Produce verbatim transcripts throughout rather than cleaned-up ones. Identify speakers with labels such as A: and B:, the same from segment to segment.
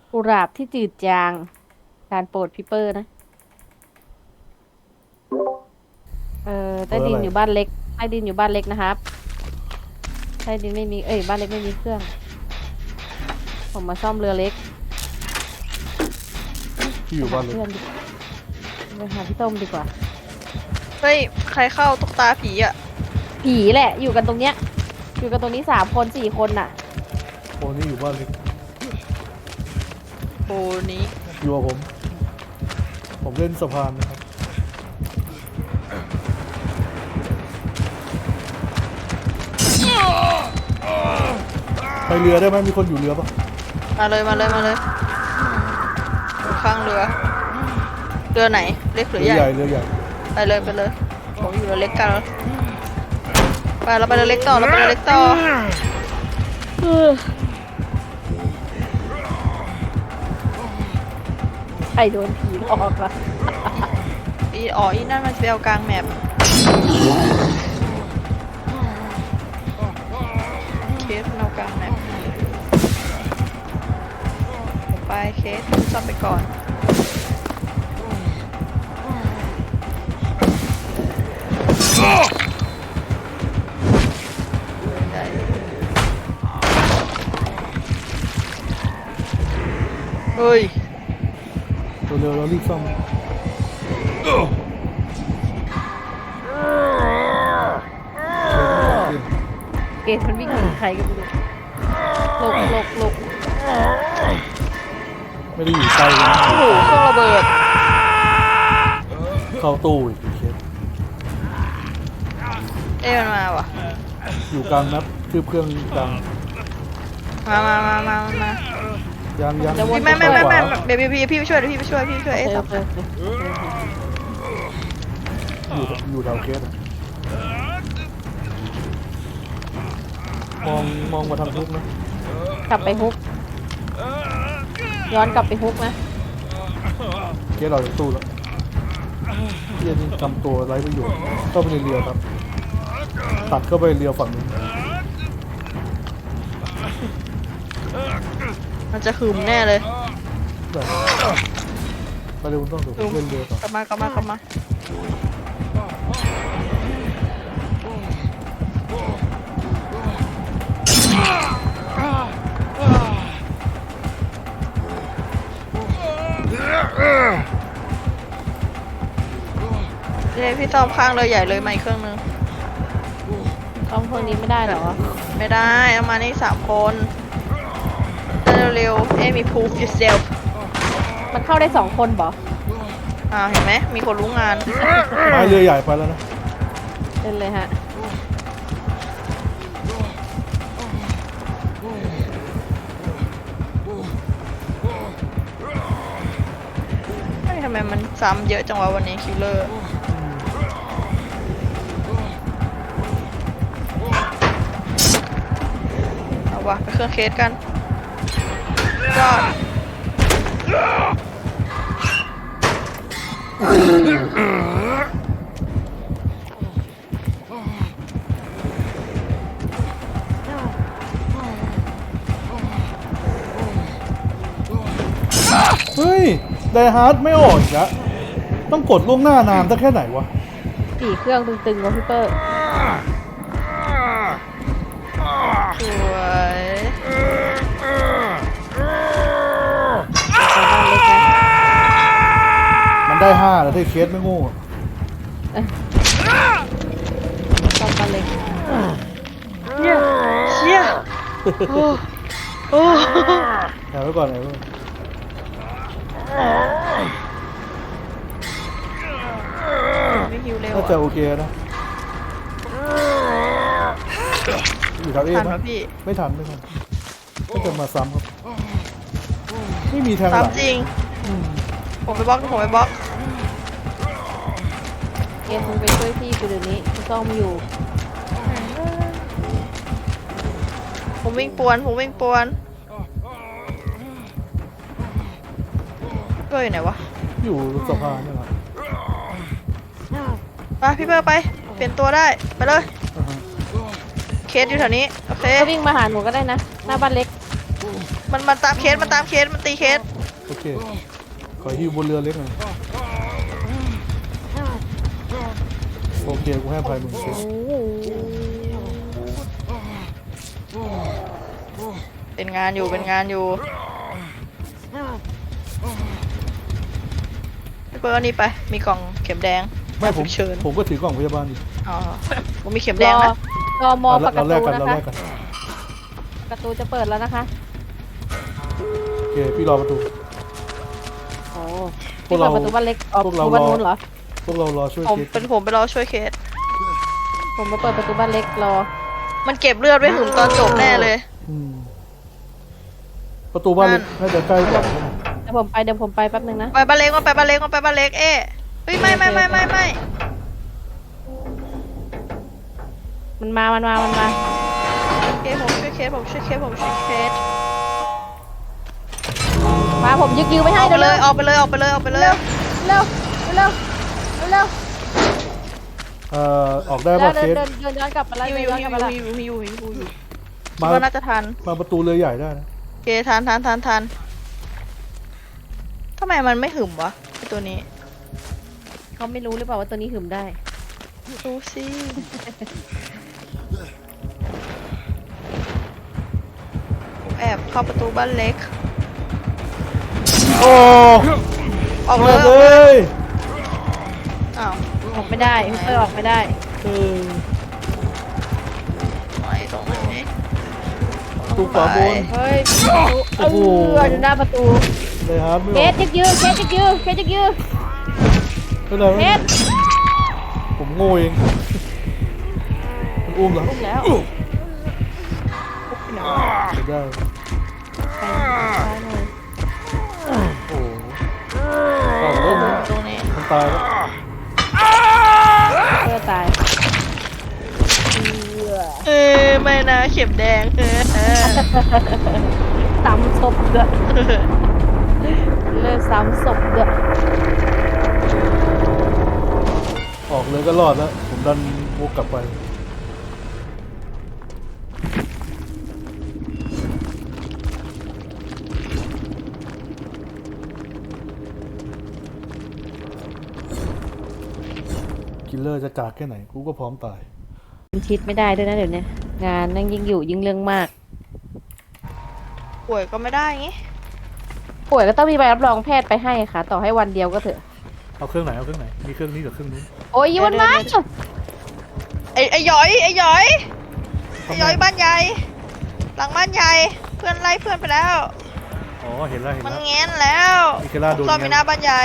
A: กุหลาบที่จืดจางการโปรดพิเปอร์นะเออ
B: เบอร์อะไร
A: ใต้ดินอยู่บ้านเล็กใต้ดินอยู่บ้านเล็กนะครับใต้ดินไม่มีเอ้ยบ้านเล็กไม่มีเครื่องผมมาซ่อมเรือเล็ก
B: ที่อยู่
A: ไปหา
B: บ้านเลย
A: เพื่อนดีไปหาพี่ต้มดีกว่า
C: เฮ้ยใครเข้าตุ๊กตาผีอ่ะ
A: ผีแหละอยู่กันตรงเนี้ยอยู่กันตรงนี้สามคนสี่คนน่ะ
B: โอ้นี่อยู่บ้านเล็ก
C: โบนี้
B: อยู่กับผมผมเล่นสะพานนะครับไปเรือได้ไหมมีคนอยู่เรือปะ
C: มาเลยมาเลยมาเลยอยู่ข้างเรือเรือไหนเล็กหรือ
B: เรือ
C: ใหญ่
B: ใหญ่เรือใหญ่
C: ไปเลยไปเลยผมอยู่เรือเล็กกันไปเราไปเรือเล็กต่อเราไปเรือเล็กต่อ
A: เออใครโดนผีหลอกล่ะ
C: อีอ๋ออีนั่นมันเปลวกลางแมปเคสมันเอากลางแมปไปเคสจับไปก่อนเฮ้ย
B: เร็วๆเรารีบซ่อม
A: เกมมันวิ่งหนีใครกันไม่รู้หลบหลบหลบ
B: ไม่ได้อยู่ใกล้กัน
C: โอ้โหเครื่องระเบิด
B: เข้าตู้อีกเคส
C: เอ้ยมันมาว่ะ
B: อยู่กลางนับคือเครื่องกลาง
C: มามามามามา
B: ยังยัง
C: พี่ไม่ไม่ไม่ไม่เบบี้พี่พี่ไปช่วยพี่ไปช่วยพี่ไปช่วย
A: โอ
C: เอ้
A: เค
C: สั
A: โอบ เคโอเค
B: อยู่อยู่แถวเคสอะมองมองมาทางทุกนะ
A: กลับไปฮุกย้อนกลับไปฮุกนะ
B: เคสเราจากตู้แล้วเฮียนี่ทำตัวไร้ประโยชน์เข้าไปในเรือครับตัดเข้าไปเรือฝั่งนู้น
C: มันจะหึมแน่เลย
B: แบบไปเร็วต้องดูเล่นเรือต่อก
C: ลับมากลับมากลับมาเดี๋ยวพี่ตอมข้างเลยใหญ่เลยมาอีกเครื่องนึง
A: ซ่อมเครื่องนี้ไม่ได้เหรอ
C: ไม่ได้เอามานี่สามคนเร็วๆเอ้มี proof yourself
A: มันเข้าได้สองคนบอ
C: อ่าเห็นไหมมีคนรู้งาน
B: ไม้เรือใหญ่ไปแล้วนะ
A: เล่นเลยฮะ
C: เฮ้ยทำไมมันซ้ำเยอะจังวะวันนี้คิลเลอร์เอาวะไปเครื่องเคสกันยอด
B: เฮ้ยไดฮาร์ดไม่ออกอีกแล้วต้องกดล่วงหน้านานตั้งแค่ไหนวะ
A: สี่เครื่องตึงๆวะพี่เปอร์
C: สวย
A: ไปบ้านเล็กนะ
B: มันได้ห้าแล้วที่เคสไม่โง่
A: ซ่อมบ้านเล็ก
C: เชี่ยเชี่ยโอ้โอ้
B: แอบไว้ก่อนแอบไว้ก่อน
C: ไม่ฮิวเร็ว
B: น่าจะ
C: อ่ะ
B: โอเคนะอยู่แถวเอ
C: ทัน
B: นะ
C: ปะพี่
B: ไม่ทันไม่ทันก็จะมาซ้ำครับไม่มีแทงห
C: ตาม
B: ลัง
C: จริง
B: อืม
C: ผมไปบล็อกผมไปบล็อก
A: เกมมึงไปช่วยพี่กูเดี๋ยวนี้กูซ่อมอยู่
C: ผมวิ่งปวนผมวิ่งปวนเพื่ออยู่ไหนวะ
B: อยู่สะพานนี่แหละ
C: ไปพี่เบอร์ไปเปลี่ยนตัวได้ไปเลย
B: อ่าฮะ
C: เคสอยู่แถวนี้โอเค
A: ก็วิ่งมาหาหนูก็ได้นะ หน้าบ้านเล็ก
C: มันมันตามเคสมันตามเคสมันตีเคส
B: โอเค ขอฮิวบนเรือเล็กหน่อยโอเค กูให้อภัยมึงเคส
C: เป็นงานอยู่เป็นงานอยู่พี่เปิ้ลเอานี่ไปมีกล่องเข็มแดง
B: ไม่ผม
C: ฉุกเชิญ
B: ผมก็ถือกล่องพยาบาลอยู่
C: อ๋อผมมีเข็ม
A: ร
C: แดง
A: อ
C: นะ
A: รอมอ
B: เรา
A: ประ
B: เรา
A: ตู
B: แลกกัน
A: นะ
B: เรา
A: คะ
B: แลกกัน
A: ประตูจะเปิดแล้วนะคะ
B: โอเค พี่รอประตู
A: โอ้
B: พว
A: ที่
B: กเรา
A: เปิดประตูบ้านเล็กออก
B: พวก
A: ป
B: เรา
A: ระตูบ้าน
B: รอ
A: นู้นเหรอ
B: พวกเรารอช่วย
C: ผม
B: เคส
C: เป็นผมไปรอช่วยเคส
A: ผมมาเปิดประตูบ้านเล็กรอ
C: มันเก็บเลือดไว้ถึงตอนจบแน่เลย
B: อืมประตูบ้านเล็กน่าจะใกล้กว่า
A: เดี๋ยวผมไปเดี๋ยวผมไปแป๊บนึงนะ
C: ไปบ้านเล็กมาไปบ้านเล็กมาไปบ้านเล็กเอ๊ะเฮ้ยไม่ไม่ไม่ไม่ไม่
A: มันมา มันมา มันมา
C: เคสผมช่วยเคสผมช่วยเคสผมช่วยเคส
A: มาผมยึกยือไม่
C: อ
A: ให้
C: อกไป
A: เดี๋ยว
C: เล
A: เร็
C: ยว ออกไปเลยออกไปเลยออกไปเลย
A: เร็วเร็วเร็วเร็ว
B: เอ่อออกได้
A: เร็
B: ป่ะ
A: ว
B: เค
A: เดิน
B: ส
A: เดินเดินย้อนกลับมาแล้ว
C: ฮิว
A: เดิน
C: ฮิว
A: ย้อน
C: ฮิ
A: กลับ
C: ว
A: มาแล้ว
C: ฮิวฮิวฮิวฮิวฮิว
B: มา
C: คิดว่าน่าจะทัน
B: มาประตูเรือใหญ่ได้นะ
C: โอเคทันทันทันทันทำไมมันไม่หึมวะไอตัวนี้
A: เขาไม่รู้หรือเปล่าว่าตัวนี้หึมได้
C: ดูสิผมแอบเข้าประตูบ้านเล็ก
B: โอ้
C: ออก
B: มา
C: เลยอ
B: เล
C: อกเลย
B: ย
C: อ้าว
A: ออกไม่ได้ฮิปเปอร์ออกไม่ได้
B: เออ
C: ไม่ตรงนี้
B: ประตูขวาบน
A: เฮ้ยประตู
B: โอ้โห
A: เอออยู่หน้าประตู
B: เลยครับไม่
A: เค
B: ออ
A: ส
B: ก
A: ยึกยือเคสยึกยือเคสยึกยือ
B: ไม่เป็นไร
A: เค
B: ไม่
A: ส
B: ผมโง่เองมันอุ้มเหรอ
A: อุ้มแล้ว
B: ไม่ได้
A: ไปซ้ายหน่อย
B: โอ้โหเอาเริ่มแล้ว
C: ตรงนี้
B: มันตายแล้ว
A: เพื่อตายเอื้อ
C: เออไม่นะเข็มแดงเออเออ
A: ซ้ำศพเด้อเลิกซ้ำศพเด้อ
B: ออกเลยก็รอดแล้ว ผมดันวกกลับไปคิลเลอร์จะกากแค่ไหน กูก็พร้อมตาย
A: มันชิดไม่ได้ด้วยนะเดี๋ยวนี้งานนั่งยิ่งอยู่ยิ่งเรื่องมาก
C: ป่วยก็ไม่ได้งี้
A: ป่วยก็ต้องมีใบรับรองแพทย์ไปให้ค่ะ ต่อให้วันเดียวก็เถอะ
B: เอาเครื่องไหน เอาเครื่องไหน มีเครื่องนี้กับเครื่องนู้น
A: โอ้ยยี่วันมา
C: ไอ้ไอ้หยอยไอ้หยอยไอ้หยอยบ้านใหญ่ หลังบ้านใหญ่ เพื่อนไล่เพื่อนไปแล้ว
B: อ๋อ เห็นแล้วเห็น
C: มัน
B: แล้ว
C: แง้นแล้ว
B: มีเคล่าโดน
C: ซ่อมมีหน้าบ้านใหญ่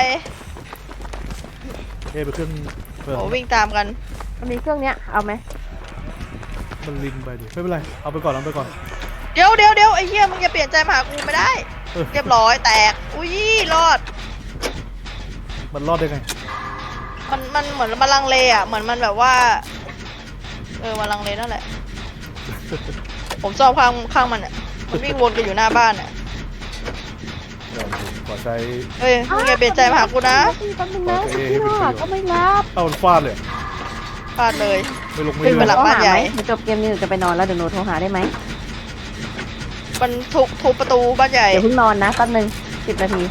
B: เอ๊ะไปเครื่องเปิด
C: โอ้วิ่งตามกัน
A: มันมีเครื่องเนี้ยเอาไหม
B: มันลิงไปดิ ไม่เป็นไร เอาไปก่อนเอาไปก่อน
C: เดี๋ยวเดี๋ยวเดี๋ยวไอ้เหี้ยมึงจะเปลี่ยนใจมาหากูไม่ได้
B: เออ
C: เรียบร้อยแตก อุ้ยรอด
B: มันรอดได้ไง
C: มันมันเหมือนมันลังเลอ่ะ เหมือนมันแบบว่า เออมันลังเลนั่นแหละ ผมชอบข้างข้างมันอ่ะ มันวิ่งวนกันอยู่หน้าบ้านอ่ะ
B: เดี๋ยวผมขอใช้
C: เฮ้ยมึงอย่าเปลี่ยนใจมาหากูนะ
A: แป๊บนึงนะ
B: โอเค
A: พี่
B: ให้เป็นประโยชน์
A: ก็ไม่รับ
B: เอามันฟาดเลย
C: พลาดเลย
B: ไม่ลงไม่
C: เป็นเว
B: เลื่อน
C: ลา บ้านใหญ่
A: เดี๋ยวจบเกมนี้หนูจะไปนอนแล้วเดี๋ยวหนูโทรหาได้ไหม
C: มันทุบทุบประตูบ้านใหญ่
A: เดี๋ยวเพิ่งนอนนะแป๊บนึงสิบนาที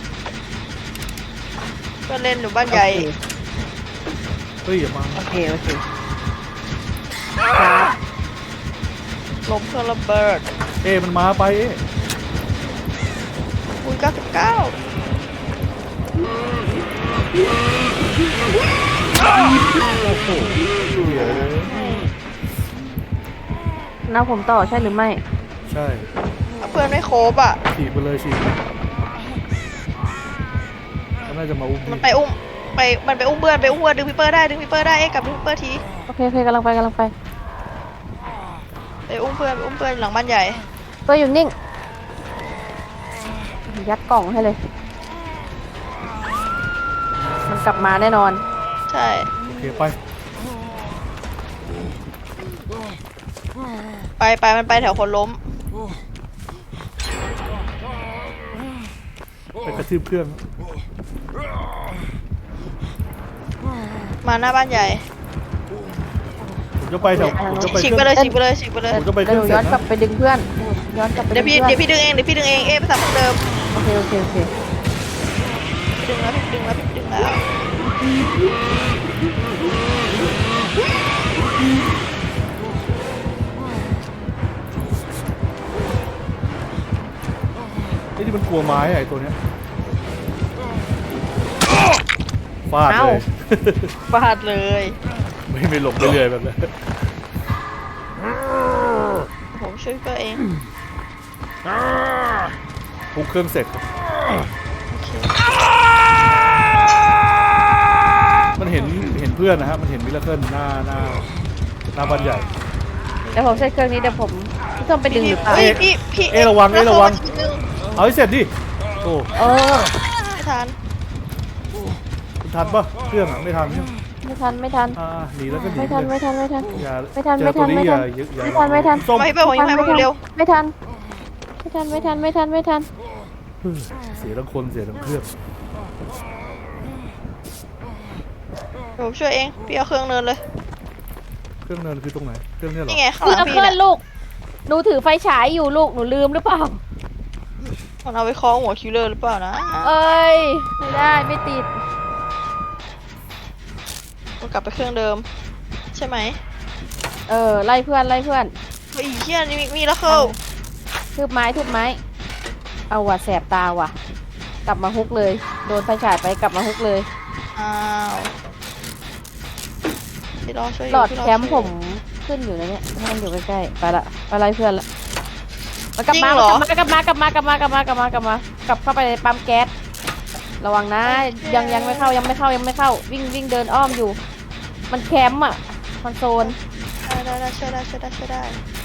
C: เพื่อนเล่นอยู่บ้านใหญ่
B: เฮ้ยอย่ามา
A: โอเคโอเคครับ
C: ลมเครื่องระเบิด
B: เอ๊ะมันมาไปเอ๊ะ
C: คูณเก้าสิบเก้า
B: โอ้โหเดี๋ยว
A: น้าผมต่อใช่หรือไม่
B: ใช่
C: เพื่อนไม่ครบอ่ะ
B: ฉีกไปเลยฉีกมันน่าจะมาอุ้ม
C: มันไปอุ้ม ไป มันไปอุ้มเพื่อนไปอุ้มเพื่อนดึงพี่เปอร์ได้ ดึงพี่เปอร์ได้ เอ๊ะกลับดึงพี่เปอร์ที
A: โอเคโอเคกำลังไปกำลังไป
C: ไปอุ้มเพื่อนไปอุ้มเพื่อนหลังบ้านใหญ่
A: ตัวอยู่นิ่ง ยัดกล่องให้เลย มันกลับมาแน่นอน
C: ใช่
B: โอเคไป
C: ไปไปมันไปแถวคนล้ม
B: ไปกระทืบเครื่อง
C: มาหน้าบ้านใหญ่
B: ผมจะไปแถวผมจะไป
C: ฉีก
B: เค
C: ไป
B: รื่อง
C: เลยฉีกไปเลยฉีกไปเลย
B: ผมจะไปเค
A: เดี๋
B: รื่
A: ย
B: อ
A: ว
B: ง
A: หนู
B: เสร็
A: ย้อนกลั
B: จนะ
A: บไปดึงเพื่อนย้อนกลับไป
C: เดี๋ยวพี่
A: พื่อน
C: เดี๋ยวพี่ดึงเองเดี๋ยวพี่ดึงเองเอ๊ะไปทำเหมือนเดิม
A: โอเคโอเคโอเค
C: พี่ดึงแล้วพี่ดึงแล้วพี่ดึงแล้ว
B: ไอ้ที่มันกลัวไม้อะไอ้ตัวเนี้ยฟาดเลย
C: ฟาดเลย
B: ไม่ไม่หลบไม่เรื่อยแบบนั้น
C: ผมช่วยพี่เปิ้ลเอง
B: ทุกเครื่องเสร็จ
C: โอเค
B: มันเห็นเห็นเพื่อนนะฮะมันเห็นมิลเลอร์เคิลหน้าหน้าหน้าบ้านใหญ่
A: เดี๋ยวผมใช้เครื่องนี้เดี๋ยวผมพี่ส้มไปดึงหรือเปล่า
C: เฮ้ยพี่พี่
B: เอ๊ะระวังเอ๊ะระวัง
C: แล้เข้ามาทีนึง
B: เอาให้เสร็จดิโอ้
A: เออ
C: ไม่ทัน
B: ทันปะเครื่องอะไม่ทันใช่ไหม
A: ไม่ทันไม่ทัน
B: อ่าหนีแล้วก็หนี
A: ไม่ทัน
B: เลย
A: ไม่ทันไม่ทัน
B: อย่า
A: ไม่ทัน
B: เจอ
A: ไม่ทั
B: ตัวน นี้
A: ไม่
B: อ
A: ทั
B: ย่าน อย่าอย่า
A: ไม่ทันไม่ทัน
B: ส้ม
C: มาพี่เปิ้ลผมยังไม่มาเร็ว
A: ไม่ทันไม่ทันไม่ทันไม่ทันไม่ทัน
B: เสียทั้งคนเสียทั้งเครื่อง
C: เดี๋ยวผมช่วยเองพี่เอาเครื่องเนินเลย
B: เครื่องเนินคือตรงไหนเครื่องเนี้ยเหรอ
C: นี่ไงข้างห
A: พี่
C: ลัง
A: เอา
C: พี่
A: เครื่อ
C: เนี่
A: ง
C: ย
A: ลูกหนูถือไฟฉายอยู่ลูกหนูลืมหรือเปล่า
C: มันเอาไปคล้องหัวคิวเลอร์หรือเปล่านะ
A: เอ้ยไม่ได้ไม่ติด
C: มันกลับไปเครื่องเดิม ใช่ไหม
A: เออไล่เพื่อนไล่เพื่อน
C: เฮ้ยเฮียนี่มีมีแล้วเข้า
A: ทุบไม้ทุบไม้เอาว่ะแสบตาว่ะ กลับมาฮุกเลย โดนไฟฉายไปกลับมาฮุกเลย
C: อ้าวพี่รอช่วยอ
A: หล
C: ยู่
A: อด
C: พี่ร
A: แคมป์ผมขึ้นอยู่นะเนี่ยให้มันอยู่ใกล้ๆไปละไปไล่เพื่อนละมันกลับ
C: จริง
A: มา
C: เหรอ
A: มันกลับมากลับมากลับมากลับมากลับมากลับมากลับเข้าไปในปั๊มแก๊สระวังนะยังยังไม่เข้ายังไม่เข้ายังไม่เข้าวิ่งวิ่งเดินอ้อมอยู่ มันแคมป์อ่ะคอนโซล
C: ได้ได้ได้ช่วยได้ช่วยได้ช่วยได้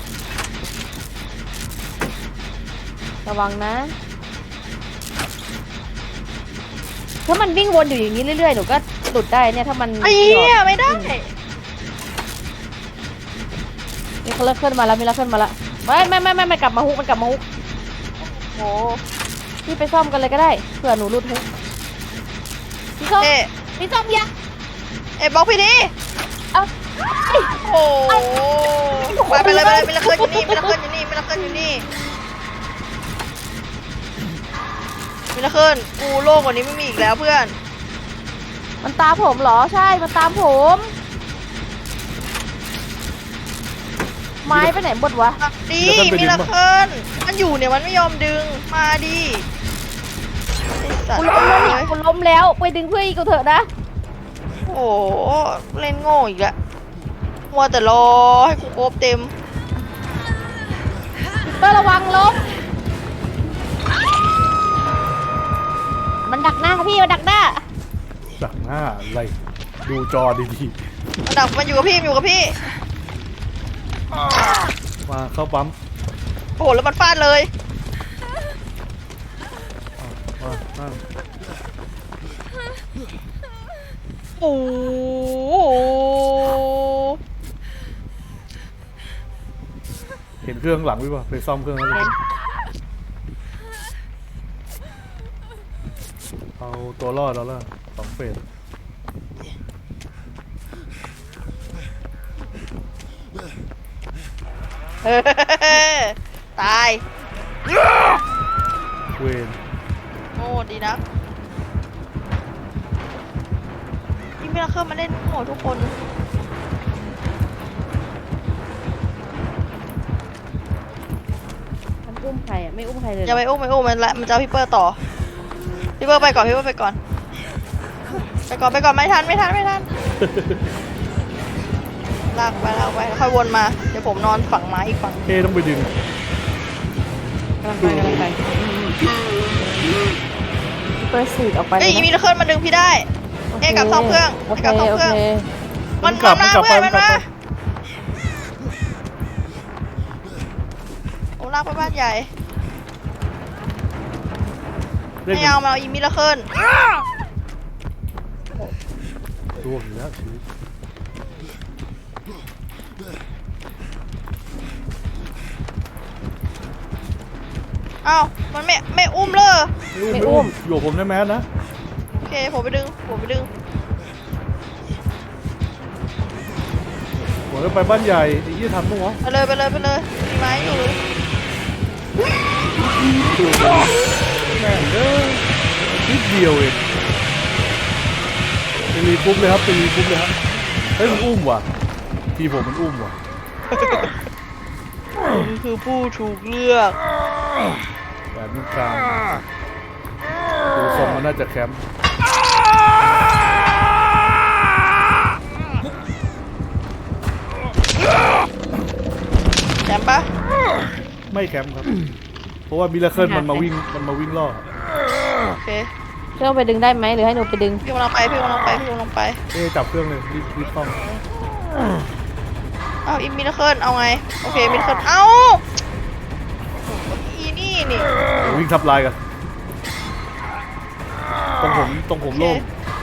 A: ระวังนะ ถ้ามันวิ่งวนอยู่อย่างนี้เรื่อยๆหนูก็หลุดได้เนี่ยถ้ามัน
C: ไอ้เหี้ยไม่ได้
A: มีเขาเลิกขึ้นมาแล้วมีเลิกขึ้นมาแล้วไม่ไม่ไม่ไม่ไม่กลับมาฮุกมันกลับมาฮุก
C: โอ้
A: พี่ไปซ่อมกันเลยก็ได้เผื่อหนูหลุดฮุกพี่ส้ม
C: เอ๊ะ
A: พี่ส้มอย่า
C: เอ๊ะบล็อกพี่ดิ
A: เอาเอ้ย
C: โอ้ไปไปเลยไปเลยไม่ละเคลื่อนอยู่นี่ไม่ละเคลื่อนอยู่นี่ไม่ละเคลื่อนอยู่นี่ไม่ละเคลื่อนกูโลกกว่านี้ไม่มีอีกแล้วเพื่อน
A: มันตามผมเหรอใช่มันตามผม ไม้ไปไหนหมดวะ
C: ดีมีละเคลื่อนมันอยู่เนี่ยมันไม่ยอมดึงมาดิไอ้สัต
A: กู
C: ว์
A: ล้มแล้ว
C: เล
A: เนี่ย
C: ย
A: กูล้มแล้วไปดึงเพื่อนอีกกูเถอะนะ
C: โอ้โหเล่นโง่อีกแล้วมัวแต่รอให้กูโอบเต็ม
A: เตอร์ระวังล้มมันดักหน้าพี่มันดักหน้า
B: ดักหน้าอะไรดูจอดี
C: มันดักมันอยู่กับพี่มันอยู่กับพี่
B: ๆมาเข้าปั๊ม
C: โอ้โหแล้วมันฟาดเลย
B: มานั่ง
C: โอ้โห
B: เห็นเครื่องหลังไหมวะไปซ่อมเครื่องแล้วกันเอาตัวรอดแล้วล่ะสองเฟส
C: เฮ้ยตาย
B: เวน
C: โง่ดีนะนี่ไม่ละเครื่องมาเล่นโง่ทุกคน
A: มันอุ้มใครอ่ะไม่อุ้มใครเลย
C: อย่าไปอุ้มไปอุ้มมันละมันจะเอาพี่เปอร์ต่อพี่เปอร์ไปก่อนพี่เปอร์ไปก่อนไปก่อนไปก่อนไม่ทันไม่ทันไม่ทันลากไปลากไปแล้วค่อยวนมาเดี๋ยวผมนอนฝั่งไม้อีกฝั่ง
B: เอต้องไปดึง
A: กำลังไปกำลังไปเปิดสูดออกไป
C: เอ้ย
A: เลยนะ
C: มีละเครื่องมาดึงพี่ได้ เอ๊ะกลับซ่อมเครื่อง
A: โอเค
C: กลับซ่อม
A: โอ
C: เครื่อง
A: เค
C: มัน
B: กลับ
C: มา
B: มันกลับไป
C: เพื่อน
B: มั
C: มัน น
B: กลับ
C: มา
B: ไป
C: โอ้ลากไปบ้านใหญ่
B: เล่น
C: ไม่เอามาเอาอีมิละเครื่อง
B: ตัวอยู่แล้วชีวิต
C: เอ้ามันไม่ไม่อุ้มเลย
B: ไม่อุ้มอยู่กับผมได้แมสนะ
C: โอเคผมไปดึงผมไปดึง
B: ผมจะไปบ้านใหญ่ไอ้ยี่ทันปะวะ
C: ไปเลยไปเลยไปเลยมีไม้อยู่
B: แม่งเด้อนิดเดียวเองไปรีปุ๊บเลยครับไปรีปุ๊บเลยครับเฮ้ยมันอุ้มว่ะทีผมมันอุ้มว่ะ
C: คุณคือผู้ถูกเลือก
B: แบบนี้กลางดูทรงมันน่าจะแคมป์
C: แชมป์ปะ
B: ไม่แคมป์ครับ เพราะว่ามิราเคิลมันมาวิ่งมันมาวิ่งล่อ
C: โอเค
A: เครื่องไปดึงได้ไหมหรือให้หนูไปดึง
C: พี่กำลังไปพี่กำลังไปพี่กำลังไป
B: เอ๊ะจับเครื่องเลยรีบรีบต้อง
C: เอาอีมิราเคิลเอาไงโอเคมิราเคิลเอาอีนี่นี่
B: เดี๋ยววิ่งทับลายกันตรงผมตรงผมโล่ง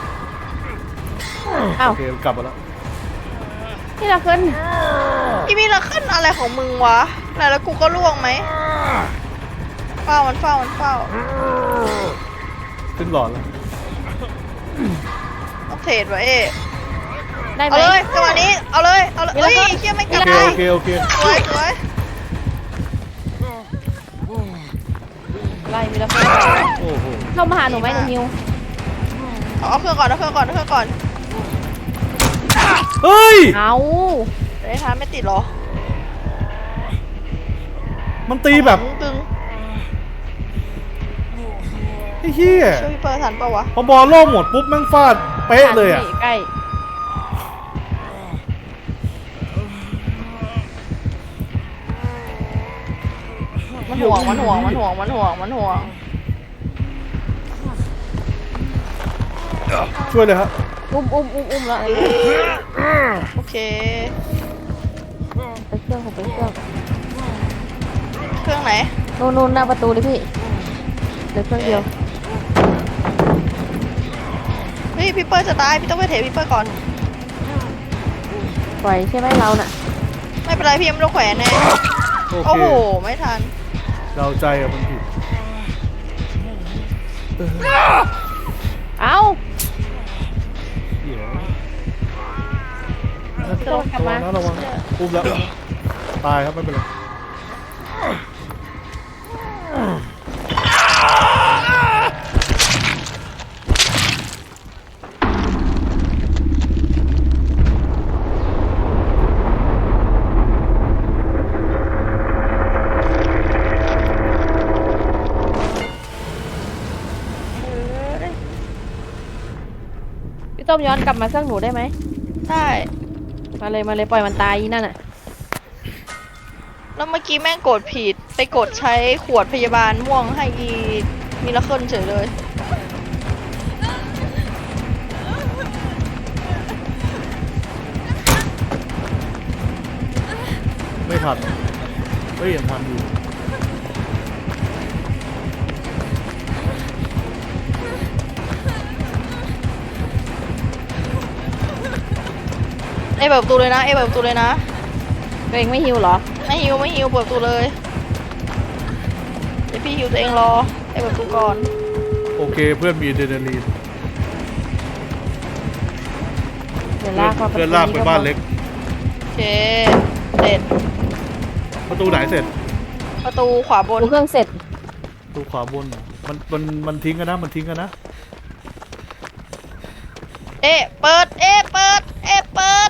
A: อ้าว
B: โอเคกลับมาแล้ว
A: นี่เราขึ้น
C: อีมิราเคิลอะไรของมึงวะไหนแล้วกูก็ล่วงไหมเฝ้ามันเฝ้ามันเฝ้า
B: ขึ้นหลอดแล้ว
C: ต้องเทรดวะเอ๊ะ
A: ได้ไหม
C: เอาเลยจังหวะนี้เอาเลยเอาเลย
A: มิ
C: เฮ้
A: ราย เคิล
C: เชี่ยไม่กลับ
B: โอเค
C: ได้
B: โอเคโอเค
C: สวยสวย
A: ไล่มีเราขึ้น
B: โอ้โห
A: เข้ามาหาหนูไหมหนูฮิว
C: เอาเอาเครื่องก่อนเอาเครื่องก่อนเอาเครื่องก่อน
B: เฮ้ย
A: เอา
C: เดี๋ยวท้าไม่ติดเหรอ
B: มันตีแบบ
C: ตึง
B: ไอ้เหี้ย
C: ช่วยพี่เปิร์ทันปะวะ
B: พอบอลโล่งหมดปุ๊บแม่งฟาดเป๊ะเลยอ่ะ
A: ใกล้
C: มันห่วงมันห่วงมันห่วงมันห่วงมันห่วง
B: ช่วยเลยครับ
A: อุ้มอุ้มอุ้มอุ้มแล้ว
C: โอเค
A: ไปเครื่องผมไปเครื่อง
C: เครื่องไหน
A: นู่นนู่นหน้าประตูเลยพี่เหลือเครื่องเดียว
C: เฮ้ยพี่เปิร์จะตายพี่ต้องไปเทพี่เปิร์ก่อน
A: ปล่อยใช่ไหมเราน่ะ
C: ไม่เป็นไรพี่ยังไม่ต้องแขวนแน่
B: โอ
C: โอ้
B: เค
C: โหไม่ทัน
B: เราใจอะมันผิด
A: เอา
B: เหี้ย
A: เครื่องกลับ
B: ระวั
A: มาง
B: นะระวังนะอุ้มแล้วตายครับไม่เป็นไร
A: พี่ต้มย้อนกลับมาเครื่องหนูได้ไหม
C: ได้
A: มาเลยมาเลยปล่อยมันตายอีนั่นน่ะ
C: แล้วเมื่อกี้แม่งกดผิดไปกดใช้ขวดพยาบาลม่วงให้อีมิราเคิลเฉยเลย
B: ไม่ทันเฮ้ยยังทันอยู่
C: เอยเปิดประตูเลยนะเอยเปิดประตูเลยนะ
A: ตัวเองไม่ฮิวเหรอ
C: ไม่ฮิวไม่ฮิวเปิดประตูเลยเดี๋ยวพี่ฮิวตัวเองรอเอยเปิดประตูก่อน
B: โอเคเพื่อนมีอะดรีนาลีน
A: เดี๋ยวลากเข้า
B: เพื่อนลากไปบ้านเล็ก
C: โอเคเสร็จ
B: ประตูไหนเสร็จ
C: ประตูขวาบน
A: ดูเครื่องเสร็จ
B: ประตูขวาบนมันมันมันทิ้งกันนะมันทิ้งกันนะ
C: เอะเปิดเอะเปิดเอะเปิด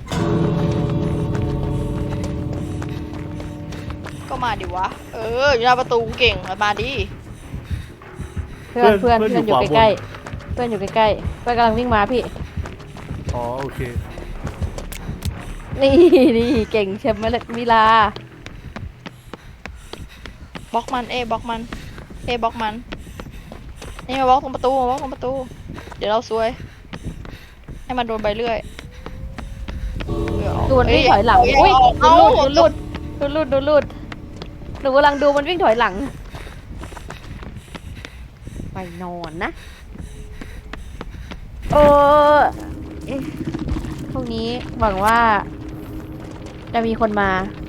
C: ก็มาดิวะเอออยู่หน้าประตูเก่งมาดิ
A: เพื่อนเพื่อนเพื่อนอยู่ใกล้ๆเพื่อนอยู่ใกล้ๆเพื่อนกำลังวิ่งมาพี่
B: อ๋อโอเค
A: นี่นี่เก่งเชฟมาเลมิลา
C: บล็อกมันเอะบล็อกมันเอะบล็อกมันนี่มาบล็อกตรงประตูมาบล็อกตรงประตู เดี๋ยวเราซวยให้มันโดนใบเลื่อย
A: ดูมันวิ่งถอยหลัง
C: เ
A: อุ้ย
C: เอา
A: ดูลุดดูลุดดูลุดดูลุดหนูกำลังดูมันวิ่งถอยหลัง ไปนอนนะเออเอ๊ะพรุ่งนี้หวังว่า จะมีคนมา